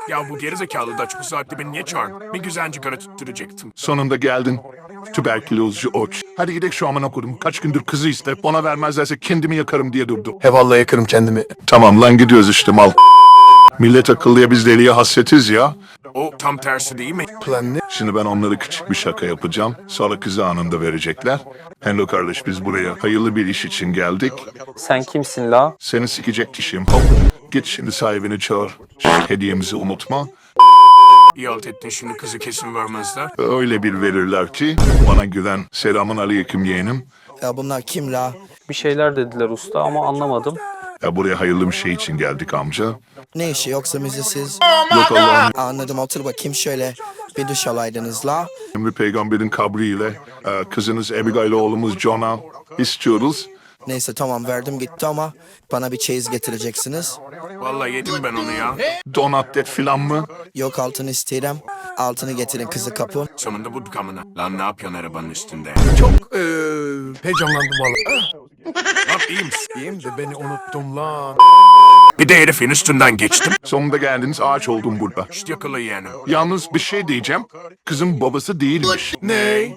Ya bu gerizekalı da bu saatte beni niye çağırdın? Bir güzelce kara tutturacaktım. Sonunda geldin. Tüberkülozcu oç. Hadi gidelim şu amına kodum. Kaç gündür kızı iste. Bana vermezlerse kendimi yakarım diye durdu. He vallahi yakarım kendimi. Tamam lan gidiyoruz işte mal. Millet akıllıya biz deliye hasretiz ya. O tam tersi değil mi? Plan ne? Şimdi ben onlara küçük bir şaka yapacağım. Sonra kızı anında verecekler. Hello kardeş biz buraya hayırlı bir iş için geldik. Sen kimsin la? Seni sikecek kişiyim. Hop. Git şimdi sahibini çağır. Hediyemizi unutma. İyi halt ettin, şimdi kızı kesin vermezler. Öyle bir verirler ki bana güven. Selamun aleyküm yeğenim. Ya bunlar kim la? Bir şeyler dediler usta ama anlamadım. Ya buraya hayırlı bir şey için geldik amca. Ne işi yoksa müzesiz? Yok Allah'ın Anladım, otur bakayım şöyle. Bir duş alaydınız la. emri peygamberin kabriyle kızınız Abigail oğlumuz John'a istiyoruz. Neyse tamam, verdim gitti ama bana bir çeyiz getireceksiniz. Vallahi yedim ben onu ya. Donat et filan mı? Yok, altını isterim. Altını getirin, kızı kapın. Sonunda bu kamına. Lan ne yapıyorsun arabanın üstünde? Çok heyecanlandım valla. Lan iyi misin? İyiyim de beni unuttum lan. Bir de herifin üstünden geçtim. Sonunda geldiniz ağaç oldum burada. İşte yakala yeğenim. Yalnız bir şey diyeceğim. Kızın babası değilmiş. Ne?